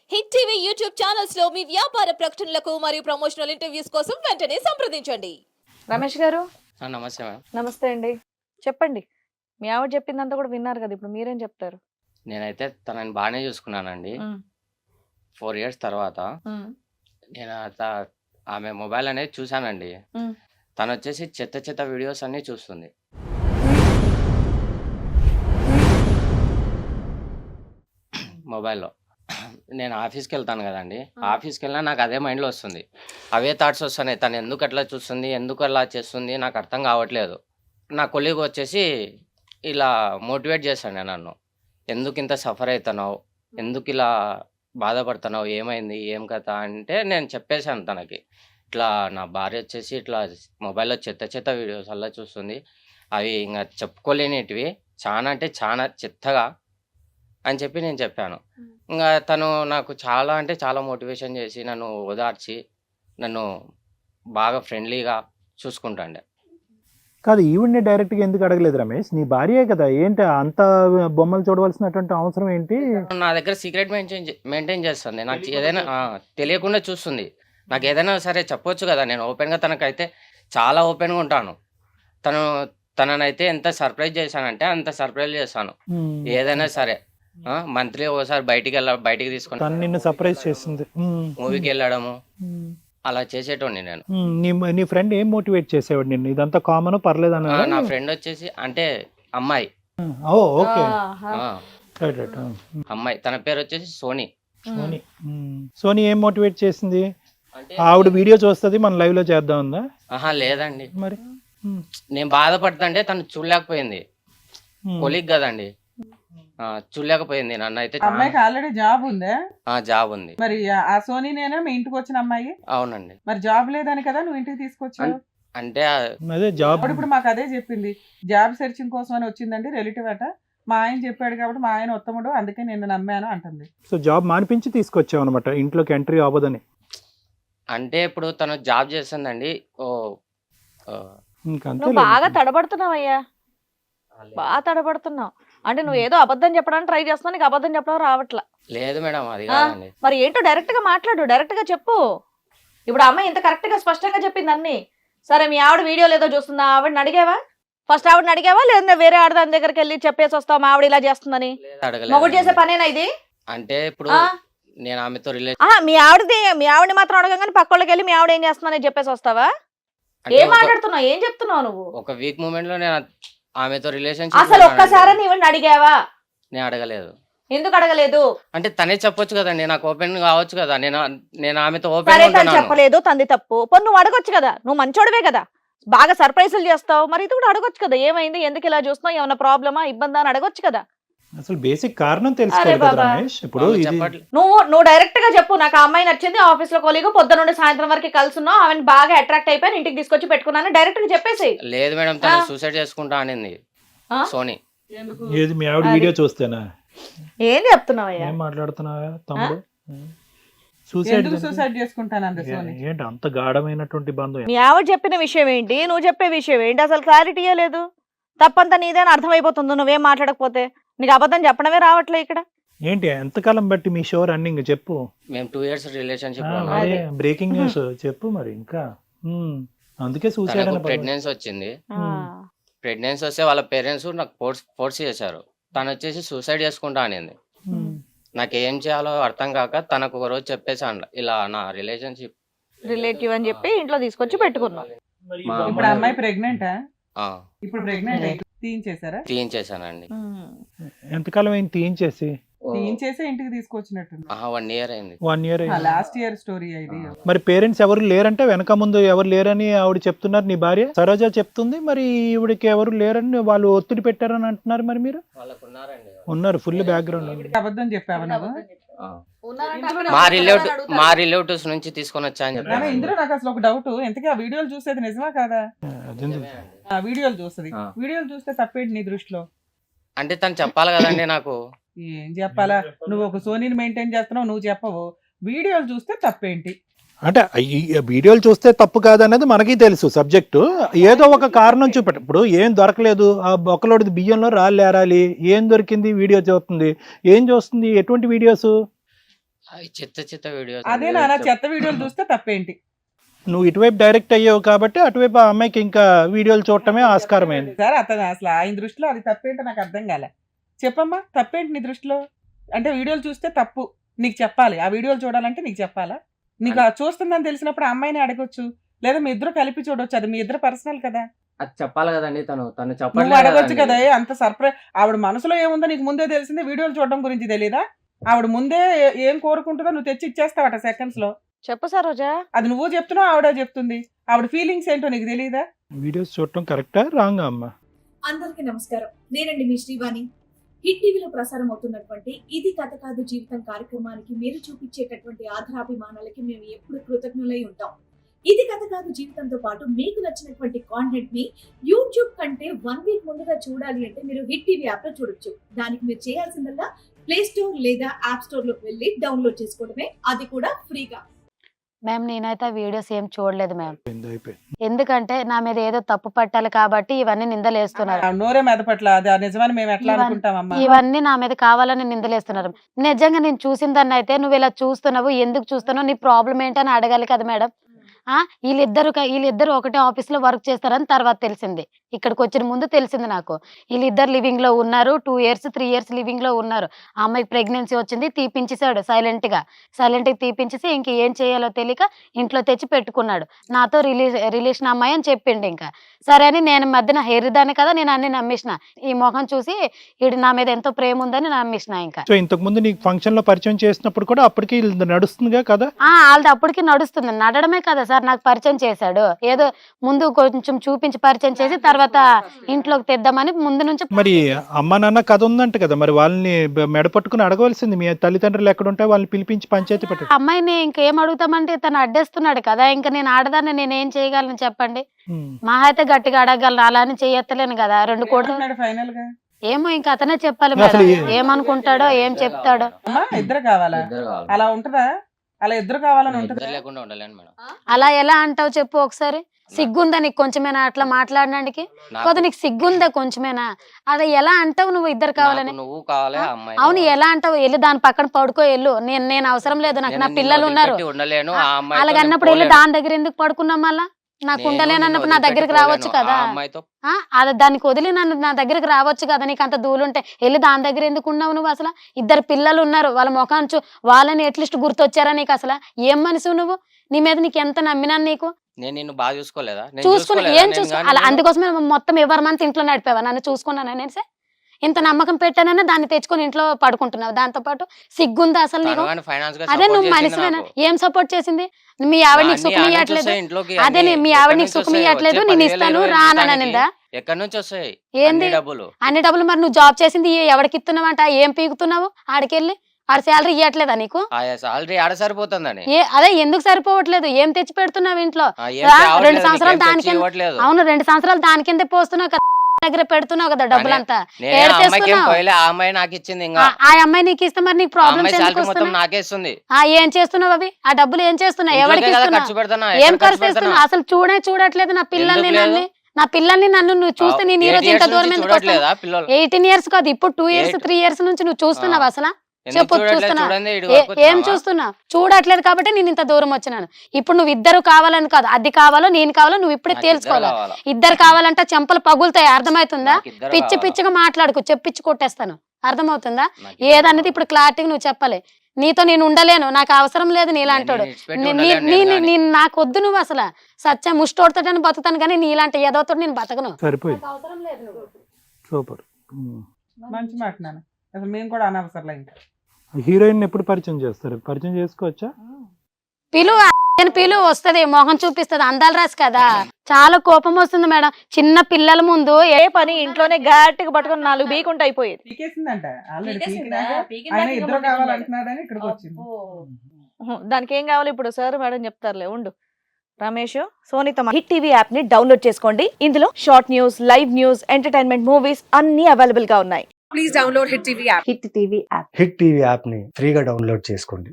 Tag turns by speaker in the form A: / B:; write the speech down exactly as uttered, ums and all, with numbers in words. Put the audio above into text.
A: Hit TV YouTube channels లో మీ వ్యాపార ప్రకటనలకు మరియు ప్రమోషనల్ ఇంటర్వ్యూస్ కోసం వెంటనే సంప్రదించండి.
B: రమేష్ గారు
C: ఆ, నమస్తే మేడం.
B: నమస్తే అండి. చెప్పండి, మీ ఆవిడ చెప్పిందంతా కూడా విన్నారు కదా, ఇప్పుడు మీరేం చెప్తారు?
C: నేనైతే తనని బాగానే చూసుకున్నానండి.
B: ఉమ్,
C: ఫోర్ ఇయర్స్ తర్వాత
B: ఉమ్,
C: నేను అత- ఆమె మొబైల్ అనేది చూశానండి.
B: ఉమ్.
C: తను వచ్చేసి చెత్త చెత్త వీడియోస్ అన్నీ చూస్తుంది మొబైల్లో. నేను ఆఫీస్కి వెళ్తాను కదండి, ఆఫీస్కి వెళ్ళినా నాకు అదే మైండ్లో వస్తుంది, అవే థాట్స్ వస్తున్నాయి. తను ఎందుకు అట్లా చూస్తుంది, ఎందుకు అలా చేస్తుంది, నాకు అర్థం కావట్లేదు. నా కొలీగ్ వచ్చేసి ఇలా మోటివేట్ చేశాను నన్ను, ఎందుకు ఇంత సఫర్ అవుతున్నావు, ఎందుకు ఇలా బాధపడుతున్నావు, ఏమైంది, ఏం కథ అంటే నేను చెప్పేశాను తనకి, ఇట్లా నా భార్య వచ్చేసి ఇట్లా మొబైల్లో చెత్త చెత్త వీడియోస్ అలా చూస్తుంది, అవి ఇంకా చెప్పుకోలేనిటివి, చాలా అంటే చాలా చెత్తగా అని చెప్పి నేను చెప్పాను. ఇంకా తను నాకు చాలా అంటే చాలా మోటివేషన్ చేసి నన్ను ఓదార్చి నన్ను బాగా ఫ్రెండ్లీగా చూసుకుంటాండే.
D: కాదు, ఈవిడ్ని డైరెక్ట్గా ఎందుకు అడగలేదు రమేష్? నీ భార్యే కదా, ఏంటి అంత బొమ్మలు చూడవలసినటువంటి అవసరం ఏంటి?
C: నా దగ్గర సీక్రెట్ మెయింటైన్ మెయింటైన్ చేస్తుంది, నాకు ఏదైనా ఆ, తెలియకుండా చూస్తుంది. నాకు ఏదైనా సరే చెప్పొచ్చు కదా, నేను ఓపెన్గా తనకైతే చాలా ఓపెన్గా ఉంటాను. తను తననైతే ఎంత సర్ప్రైజ్ చేశానంటే అంత సర్ప్రైజ్ చేశాను.
D: ఉమ్,
C: ఏదైనా సరే మంత్లీ ఒకసారి బయటికి వెళ్ళ బయటికి తీసుకొని
D: తను నిన్ను సర్ప్రైజ్ చేసింది. ఉమ్,
C: మూవీకి వెళ్ళడము
D: ఉమ్,
C: అలా చేసేటోడిని నేను.
D: ఉమ్, నీ నీ ఫ్రెండ్ ఏం మోటివేట్ చేసేవాడు నిన్ను? ఇదంతా కామన్, పర్లేదు
C: ఆ,
D: అన్నాడా?
C: నా ఫ్రెండ్ వచ్చేసి అంటే అమ్మాయి
D: ఓ ఓకే,
B: ఆహా.
C: ఆ,
D: రైట్ రైట్.
C: అమ్మాయి తన పేరు వచ్చేసి సోనీ.
D: సోనీ. ఉమ్, సోనీ ఏం మోటివేట్ చేసింది?
C: అంటే
D: ఆవిడ వీడియో చూస్తుంది, మన లైవ్ లో చేద్దాం ఉందా
C: ఆహా లేదండి,
D: మరి? ఉమ్,
C: నేను బాధపడుతుంటే తను చూడలేకపోయింది.
D: ఉమ్,
C: కొలీగ్ కదండి, ఆ, చూడలేకపోయింది నన్ను. అయితే
E: అమ్మాయికి ఆల్రెడీ జాబ్ ఉందా?
C: జాబ్ ఉంది.
E: మరి ఆ- ఆ సోనీ నేనా మీ ఇంటికి వచ్చిన అమ్మాయి?
C: అవునండి.
E: మరి జాబ్ లేదని కదా నువ్వు ఇంటికి తీసుకొచ్చావు?
C: అంటే ఆ,
D: అదే జాబ్.
E: అప్పుడు ఇప్పుడు మాకు అదే చెప్పింది, జాబ్ సెర్చింగ్ కోసం అని వచ్చిందండి, రిలేటివ్ అట. మా ఆయన చెప్పాడు కాబట్టి మా ఆయన ఉత్తముడు, అందుకే నేను నమ్మాను అంటుంది.
D: సో జాబ్ మానిపించి తీసుకొచ్చావు అనమాట, ఇంట్లోకి ఎంట్రీ అవ్వదని.
C: అంటే ఇప్పుడు తను జాబ్ చేస్తుందండి. ఓ ఓ,
D: ఇంకంతే.
B: నువ్వు బాగా తడబడుతున్నావయ్యా, బాగా తడబడుతున్నావు. అంటే నువ్వు ఏదో అబద్ధం చెప్పడానికి ట్రై చేస్తున్నావు, నీకు అబద్ధం చెప్పడం రావట్లా.
C: లేదు మేడం, అది
B: ఆ,
C: కాదండి.
B: మరి ఏంటో డైరెక్ట్ గా మాట్లాడు, డైరెక్ట్ గా చెప్పు. ఇప్పుడు ఆ అమ్మాయి ఇంత కరెక్ట్ గా స్పష్టంగా చెప్పింది అన్ని. సరే, మీ ఆవిడ వీడియోలు ఏదో చూస్తుందా, ఆవిడని అడిగావా? ఫస్ట్ ఆవిడని అడిగావా, లేదా వేరే ఆడదాని దగ్గరికి వెళ్ళి చెప్పేసి వస్తావు మా ఆవిడ ఇలా చేస్తుందని?
C: లేదు, అడగలేదు.
B: మొగుడు చేసే పనేనా ఇది?
C: అంటే ఇప్పుడు
B: ఆ?
C: నేను ఆమెతో రిలేషన్
B: ఆహా, మీ ఆవిడది మీ ఆవిడని మాత్రం అడగగానే పక్కోళ్ళకి వెళ్ళి మీ ఆవిడ ఏం చేస్తుందని చెప్పేసి వస్తావా? ఏం మాట్లాడుతున్నావు, ఏం చెప్తున్నావు నువ్వు?
C: ఒక వీక్ మూమెంట్ లో నేను ఆమెతో రిలేషన్
B: అసలు ఒక్కసారి నీవని అడిగావా?
C: నేను అడగలేదు.
B: ఎందుకు అడగలేదు?
C: అంటే తనే చెప్పొచ్చు కదండి, నాకు ఓపెన్ కావచ్చు కదా, నేను నేను ఆమెతో
B: సరే,
C: ఓపెన్
B: తను
C: ఉంటున్నాను.
B: చెప్పలేదు, తంది తప్పు. పోనీ నువ్వు అడగొచ్చు కదా, నువ్వు మంచోడివే కదా, బాగా సర్ప్రైజులు చేస్తావు, మరి ఇది కూడా అడగొచ్చు కదా, ఏమైంది, ఎందుకు ఇలా చూస్తున్నావు, ఏమైనా ప్రాబ్లమా, ఇబ్బందా అని అడగొచ్చు కదా.
D: అసలు బేసిక్ కారణం తెలుసుకోవాలి
B: అరే
D: కదా
B: బాబా.
D: రమేష్. ఇప్పుడు
C: ఆమె
D: ఇది
C: చెప్పట్లే.
B: నువ్వు నువ్వు డైరెక్ట్ గా చెప్పు, నాకు ఆ అమ్మాయి నచ్చింది, ఆఫీస్ లో కొలీగు, పొద్దు నుండి సాయంత్రం వరకు కలిసి ఉన్నావు, ఆమెను బాగా అట్రాక్ట్ అయిపోయి ఇంటికి తీసుకొచ్చి పెట్టుకున్నాను, డైరెక్ట్ గా చెప్పేసి.
C: లేదు మేడం, తను
B: ఆ?
C: సూసైడ్ చేసుకుంటా అనింది
B: ఆ?
C: సోనీ.
D: ఏది మీ ఆవిడ
B: అది.
D: వీడియో చూస్తేనా?
B: ఏం చెప్తున్నావయ్యా?
D: ఏం మాట్లాడుతున్నావా తమ్ముడు?
E: ఎందుకు
D: సూసైడ్
E: సూసైడ్ చేసుకుంటానంది సోనీ?
D: ఏంటి అంత గాఢమైనటువంటి బంధం?
B: మీ ఆవిడ చెప్పిన విషయం ఏంటి, నువ్వు చెప్పే విషయం ఏంటి, అసలు క్లారిటీయే లేదు. తప్పంతా నీదేని అర్థమైపోతుంది నువ్వేం మాట్లాడకపోతే. నీకు అబద్ధం చెప్పడమే రావట్లే ఇక్కడ.
D: ఏంటి ఎంతకాలం బట్టి మీ షో రన్నింగ్ చెప్పు?
C: మేము టూ ఇయర్స్ రిలేషన్షిప్ లో
B: అదే.
D: బ్రేకింగ్ న్యూస్ చెప్పు మరి ఇంకా. ఉమ్, అందుకే సూసైడ్ అని పదం.
C: ప్రెగ్నెన్సీ వచ్చింది.
B: ఆ.
C: ప్రెగ్నెన్సీ వస్తే వాళ్ళ పేరెంట్స్ నాకు ఫోర్స్ ఫోర్స్ చేశారు. తను వచ్చేసి సూసైడ్ చేసుకుంటా అనింది.
D: ఉమ్,
C: నాకు ఏం చేయాలో అర్థం కాక తనకు ఒక రోజు చెప్పేసాను, ఇలా నా రిలేషన్షిప్.
B: రిలేటివ్ అని చెప్పి ఇంట్లో తీసుకొచ్చి పెట్టుకున్నావు.
C: మా
E: ఇప్పుడు ఆ అమ్మాయి ప్రెగ్నెంటా?
C: ఆ,
E: ఇప్పుడు ప్రెగ్నెంట్ తీయించేసారా?
C: తీయించేసానండి.
D: ఎంతకాలం అయింది తీయించేసి?
E: తీయించేసే ఇంటికి తీసుకొచ్చినట్టు.
C: వన్ ఇయర్ అయింది.
D: వన్ ఇయర్ అయింది.
E: లాస్ట్ ఇయర్ స్టోరీ ఇది.
D: మరి పేరెంట్స్ ఎవరు లేరంటే వెనక ముందు ఎవరు లేరని ఆవిడ చెప్తున్నారు, నీ భార్య సరోజ చెప్తుంది. మరి ఈవిడికి ఎవరు లేరని వాళ్ళు ఒత్తిడి పెట్టారని అంటున్నారు. మరి మీరు
C: వాళ్ళకు ఉన్నారండి.
D: ఉన్నారు, ఫుల్ బ్యాక్గ్రౌండ్ ఉంది.
E: అబద్ధం చెప్పావా నువ్వు?
C: ఆ. మా రిలేటివ్ మా రిలేటివ్స్ నుంచి తీసుకొని వచ్చా అని
E: నాన్న,
C: చెప్పాను.
E: ఇందులో నాకు అసలు ఒక డౌట్, ఎంతకీ ఆ వీడియోలు చూసేది నిజమా కాదా?
D: అదేంది?
E: ఆ వీడియోలు చూస్తుంది,
C: ఆ.
E: వీడియోలు చూస్తే తప్పేంటి నీ దృష్టిలో?
C: అంటే తను చెప్పాలి కదండి నాకు.
E: ఏం చెప్పాలా, నువ్వు ఒక సోనీని మెయింటైన్ చేస్తున్నావు, నువ్వు చెప్పవు, వీడియోలు చూస్తే తప్పేంటి?
D: అంటే ఈ వీడియోలు చూస్తే తప్పు కాదనేది మనకి తెలుసు సబ్జెక్టు. ఏదో ఒక కారణం చూపెట్టు. ఇప్పుడు ఏం దొరకలేదు, ఆ బొక్కలోడిది బియ్యంలో రాళ్ళు ఏరాలి, ఏం దొరికింది, వీడియో చూస్తుంది. ఏం చూస్తుంది, ఎటువంటి వీడియోస్?
C: అవి చిత్త చిత్త వీడియోస్
E: అదే నాన్న చెత్త వీడియోలు చూస్తే తప్పేంటి?
D: నువ్వు ఇటువైపు డైరెక్ట్ అయ్యావు కాబట్టి అటువైపు ఆ అమ్మాయికి ఇంకా వీడియోలు చూడటమే ఆస్కారమైంది.
E: సార్ అతను అసలు ఆయన దృష్టిలో అది తప్పేంటో నాకు అర్థం కాలే. చెప్పమ్మా తప్పేంటి నీ దృష్టిలో? అంటే వీడియోలు చూస్తే తప్పు నీకు చెప్పాలి, ఆ వీడియోలు చూడాలంటే నీకు చెప్పాలా? నీకు ఆ చూస్తుందని తెలిసినప్పుడు ఆ అమ్మాయిని అడగొచ్చు, లేదా మీ ఇద్దరు కలిపి చూడొచ్చు, అది మీ ఇద్దరు పర్సనల్ కదా.
C: అది చెప్పాలి కదండి తను తను
E: నువ్వు
C: చెప్పట్లేదు
E: అడగొచ్చు కదా.
C: కదండి.
E: అంత సర్ప్రైజ్ ఆవిడ మనసులో ఏముందో నీకు ముందే తెలిసింది, వీడియోలు చూడడం గురించి తెలియదా? ఆవిడ ముందే ఏ- ఏం కోరుకుంటుందో నువ్వు తెచ్చి ఇచ్చేస్తావట సెకండ్స్ లో.
B: చెప్పు సరోజా.
E: అది నువ్వు చెప్తున్నావు, ఆవిడ చెప్తుంది. ఆవిడ ఫీలింగ్స్ ఏంటో నీకు తెలియదా?
D: వీడియోస్ చూడటం కరెక్టా రాంగా అమ్మా?
F: అందరికీ నమస్కారం. నేనండి మీ శ్రీవాణి. హిట్ టీవీలో ప్రసారం అవుతున్నటువంటి ఇది కథ కాదు జీవితం కార్యక్రమానికి మీరు చూపించేటటువంటి ఆధారాభిమానాలకి మేము ఎప్పుడు కృతజ్ఞులై ఉంటాం. ఇది కథ కాదు జీవితంతో పాటు మీకు నచ్చినటువంటి కాంటెంట్ ని యూట్యూబ్ కంటే వన్ వీక్ ముందుగా చూడాలి అంటే మీరు హిట్ టీవీ యాప్ లో చూడొచ్చు. దానికి మీరు చేయాల్సిందల్లా ప్లే స్టోర్ లేదా యాప్ స్టోర్ లోకి వెళ్ళి డౌన్లోడ్ చేసుకోవడమే, అది కూడా ఫ్రీగా.
G: మ్యామ్ నేనైతే ఆ వీడియోస్ ఏం చూడలేదు మ్యామ్.
D: అయిపోయింది, అయిపోయింది.
G: ఎందుకంటే నా మీద ఏదో తప్పు పట్టాలి కాబట్టి ఇవన్నీ నిందలేస్తున్నారు.
E: ఆ నోరే మెదపట్ల అది ఆ నిజమని మేము ఎట్లా
G: ఇవన్నీ-
E: అనుకుంటామమ్మా?
G: ఇవన్నీ నా మీద కావాలని నిందలేస్తున్నారు. నిజంగా నేను చూసిన దాన్ని అయితే నువ్వు ఇలా చూస్తున్నావు, ఎందుకు చూస్తున్నావు, నీ ప్రాబ్లం ఏంటని అడగాలి కదా మేడం. ఆ వీళ్ళిద్దరు క- వీళ్ళిద్దరు ఒకటే ఆఫీస్ లో వర్క్ చేస్తారని తర్వాత తెలిసింది. ఇక్కడికి వచ్చిన ముందు తెలిసింది నాకు. వీళ్ళిద్దరు లివింగ్ లో ఉన్నారు, two years three years living లో ఉన్నారు. ఆ అమ్మాయికి ప్రెగ్నెన్సీ వచ్చింది, తీపించేశాడు సైలెంట్ గా. సైలెంట్ గా తీపించేసి ఇంక ఏం చేయాలో తెలియక ఇంట్లో తెచ్చి పెట్టుకున్నాడు. నాతో రిలీజ్ రిలేషన్ అమ్మాయి అని చెప్పిండు. ఇంకా సరే అని నేను మధ్యన హెరిదాన్ని కదా, నేను అన్ని నమ్మేసిన. ఈ మొహం చూసి వీడు నా మీద ఎంతో ప్రేమ ఉందని నమ్మేసిన. ఇంకా
D: సో ఇంతకు ముందు నీకు ఫంక్షన్ లో పరిచయం చేసినప్పుడు కూడా అప్పటికి ఇది నడుస్తుందిగా కదా?
G: ఆ వాళ్ళది అప్పటికి నడుస్తుంది. నడడమే కదా సార్ నాకు పరిచయం చేశాడు. ఏదో ముందు కొంచెం చూపించి పరిచయం చేసి తర్వాత ఇంట్లోకి తెద్దామని ముందు నుంచి.
D: మరి అమ్మ నాన్న కథ ఉందంట కదా, మరి వాళ్ళని బ- మెడ పట్టుకుని అడగవలసింది. మీ తల్లిదండ్రులు ఎక్కడ ఉంటే వాళ్ళని పిలిపించి పంచాయతీ పెట్ట.
G: అమ్మాయిని ఇంకేం అడుగుతామంటే తను అడ్డేస్తున్నాడు కదా. ఇంకా నేను ఆడదాన్ని నేనేం చేయగలను చెప్పండి. మా అయితే గట్టిగా అడగలను, అలా అని చేయత్తలేను కదా. రెండు కోట్లు
E: ఫైనల్ గా
G: ఏమో ఇంకా అతనే చెప్పాలి
D: అసలు
G: మేడం.
D: ఏ-
G: ఏమనుకుంటాడో ఏం చెప్తాడో.
E: అమ్మా ఇద్దరు కావాలా?
C: ఇద్దరు కావాలి.
E: అలా ఉంటదా? అలా ఇద్దరు కావాలని
C: నేను
E: ఉంటదా?
C: ఇద్దరు లేకుండా ఉండలేను మేడం.
G: అలా ఎలా అంటావు చెప్పు ఒకసారి. సిగ్గుందా నీకు కొంచెమేనా అట్లా మాట్లాడడానికి?
C: నాకు-
G: కొద్ది నీకు సిగ్గుందా కొంచెమేనా? అది ఎలా అంటావు నువ్వు ఇద్దరు కావాలని?
C: నాకు నువ్వు కావాలి, ఆ అమ్మాయి
G: అవును
C: కావాలి.
G: ఎలా అంటావు? వెళ్ళి దాని పక్కన పడుకో వెళ్ళు. నేను నేను అవసరం లేదు, నాకు
C: నేను
G: నా
C: నిన్ను
G: పిల్లలు ఉన్నారు.
C: వదిలిపెట్టి ఉండలేను, ఆ అమ్మాయితో
G: అలాగ
C: నేను
G: అన్నప్పుడు వెళ్ళి
C: పోలేను.
G: దాని దగ్గర ఎందుకు పడుకున్నాం? మళ్ళా నాకు
C: నేను
G: ఉండలేనన్నప్పుడు
C: నిన్ను
G: నా దగ్గరికి
C: వదిలిపెట్టి
G: రావచ్చు
C: పోలేను.
G: కదా.
C: ఆ అమ్మాయితో
G: ఆ, అది దానికి వదిలి నన్ను నా దగ్గరికి రావచ్చు కదా. నీకు అంత దూలుంటే వెళ్ళి దాని దగ్గర ఎందుకు ఉన్నావు నువ్వు? అసలు ఇద్దరు పిల్లలు ఉన్నారు, వాళ్ళ ముఖాన్ని చూ వాళ్ళని ఎట్లీస్ట్ గుర్తొచ్చారా నీకు? అసలు ఏం మనసు నువ్వు? నీ మీద నీకు ఎంత నమ్మినాను నీకు.
C: నేను నిన్ను బాగా చూసుకోలేదా? నేను
G: చూసుకుని
C: చూసుకోలేదా?
G: ఏం
C: నేను
G: చూసుకో
C: కానీ
G: అలా
C: నేను-
G: అందుకోసమే మొత్తం ఎవరి మంత్ ఇంట్లో నడిపావా? నన్ను చూసుకున్నాను అనేసి ఇంత నమ్మకం పెట్టానన్నా దాన్ని తెచ్చుకొని ఇంట్లో పడుకుంటున్నావు. దాంతో పాటు సిగ్గుందా అసలు నీకు?
C: తను కానీ finance గా
G: అదే
C: support
G: నువ్వు
C: చేసింది
G: మనిషివేనా?
C: నాకు.
G: ఏం సపోర్ట్ చేసింది? మీ ఆవిడ నీకు
C: అన్ని
G: సుఖం
C: ఆడ
G: ఇవ్వట్లేదు.
C: చూస్తే ఇంట్లోకి
G: అదే
C: అన్ని
G: నీ- మీ
C: ఎక్కడి
G: ఆవిడ నీకు
C: నుంచి
G: సుఖం
C: వస్తాయి?
G: ఇవ్వట్లేదు,
C: వచ్చే
G: నేను
C: పదివేలు,
G: ఇస్తాను
C: ఇరవై వేలు
G: రాననిందా?
C: ఇస్తానికి ఎక్కడి నుంచి వస్తాయి
G: ఏంది
C: అన్ని డబ్బులు?
G: అన్ని డబ్బులు మరి నువ్వు జాబ్ చేసింది ఎవరికి ఇస్తున్నావంట? ఏం పీకుతున్నావు ఆడికెళ్ళి? ఆడ శాలరీ ఇవ్వట్లేదా నీకు?
C: ఆయా సాలరీ ఆడ సరిపోతుందని
G: ఏ అదే ఎందుకు సరిపోవట్లేదు? ఏం తెచ్చి పెడుతున్నావు ఇంట్లో?
C: ఆ, ఏం
G: రా,
C: తేవట్లేదు,
G: రెండు సంవత్సరాలు
C: నీకేం
G: దానికి
C: తెచ్చి ఇవ్వట్లేదు.
G: అవును రెండు సంవత్సరాలు దాని కింద పోస్తున్నావు కదా, దగ్గర పెడుతున్నావు కదా డబ్బులంతా.
C: నేను
G: ఏడు
C: ఆ అమ్మాయికి ఏం
G: తెస్తున్నావు?
C: పోయలే, ఆ అమ్మాయి నాకు ఇచ్చింది. ఇంకా
G: ఆ- ఆ అమ్మాయి నీకు ఇస్తే మరి నీకు
C: ఆ
G: ప్రాబ్లమ్స్
C: అమ్మాయి
G: ఎందుకు
C: సాలరీ మొత్తం
G: వస్తున్నాయి?
C: నాకే ఇస్తుంది.
G: ఆ ఏం చేస్తున్నావు అవి? ఆ డబ్బులు ఏం చేస్తున్నావు? ఎవరికి
C: ఇంట్లోకే కదా
G: ఇస్తున్నావు?
C: ఖర్చు పెడతానా?
G: ఏం
C: ఎక్కడ
G: ఖర్చు
C: ఖర్చు పెడతానా?
G: చేస్తున్నావు? అసలు చూడే చూడట్లేదు నా పిల్లల్ని.
C: ఎందుకు లేదు?
G: నన్ను నా పిల్లల్ని నన్ను నువ్వు చూస్తే నేను ఈ
C: ఎయిట్
G: రోజు ఇంత
C: ఇయర్స్
G: దూరం
C: నుంచి
G: ఎందుకు వస్తాను?
C: చూడట్లేదా పిల్లలు?
G: ఎయిటీన్ ఇయర్స్ కాదు, ఇప్పుడు two years
C: Eight.
G: Three years నుంచి నువ్వు చూస్తున్నావు అసలు?
C: ఎందుకు
G: చెప్పు,
C: చూడట్లేదు?
G: చూస్తున్నా.
C: చూడండి, ఈడి
G: ఏ-
C: వరకు
G: ఏం
C: వచ్చినావా?
G: చూస్తున్నా? చూడట్లేదు కాబట్టి నేను ఇంత దూరం వచ్చినాను. ఇప్పుడు నువ్వు ఇద్దరు కావాలని కాదు, అది కావాలో నేను కావాలో నువ్వు ఇప్పుడే
C: నాకు ఇద్దరు
G: తేల్చుకోవాలి.
C: కావాలా?
G: ఇద్దరు కావాలంటే చెంపలు పగులుతాయి, అర్థమవుతుందా?
C: నాకు ఇద్దరు
G: పిచ్చి
C: కావాలా?
G: పిచ్చిగా మాట్లాడుకో, చెప్పించి కొట్టేస్తాను, అర్థమవుతుందా?
C: నాకు ఇద్దరు
G: ఏదన్నది
C: కావాలా?
G: ఇప్పుడు క్లారిటీగా నువ్వు చెప్పాలి. నీతో నేను ఉండలేను, నాకు అవసరం లేదు నీలాంటోడు.
C: నేను ఇడిచిపెట్టి
G: నీ-
C: ఉండలేను
G: నీ-
C: నేను
G: నీ-
C: కానీ.
G: నీ- నాకు వద్దు నువ్వు అసలు. సత్యం ముష్టోడుతాడని బతుకుతాను కానీ నీలాంటి ఏదోతో నేను బతకను.
D: సరిపోయింది,
G: నాకు అవసరం లేదు నువ్వు.
D: సూపర్. ఉమ్.
E: మంచి మాట నాన్న. అసలు మేము కూడా అనవసరం ఇంకా.
D: హీరోయిన్ ఎప్పుడు పరిచయం చేస్తారు? పరిచయం చేసుకోవచ్చా?
G: పిలు నేను పిలు వస్తది, మొహం చూపిస్తది, అందాలు రాసి కదా. చాలా కోపం వస్తుంది మేడం చిన్న పిల్లల ముందు.
B: ఏ పని ఇంట్లోనే గట్టిగా పట్టుకొని నాలుగు బీకుంటే అయిపోయేది.
E: పీకేసిందంట ఆల్రెడీ.
B: పీకేసిందా? పీకిందా?
E: ఆయన ఇద్దరు
B: పీకిందా?
E: కావాలంటున్నాడని ఇక్కడికి వచ్చింది.
B: ఉహు, దానికి ఏం కావాలి ఇప్పుడు? సార్ మేడం చెప్తారులే, ఉండు. రమేష్, సోనీతో హిట్ టీవీ యాప్ ని డౌన్లోడ్ చేసుకోండి. ఇందులో short news, live news, entertainment movies అన్ని అవైలబుల్ గా ఉన్నాయి.
H: Hit TV app
I: hit TV యాప్ని ఫ్రీగా డౌన్లోడ్ చేసుకోండి.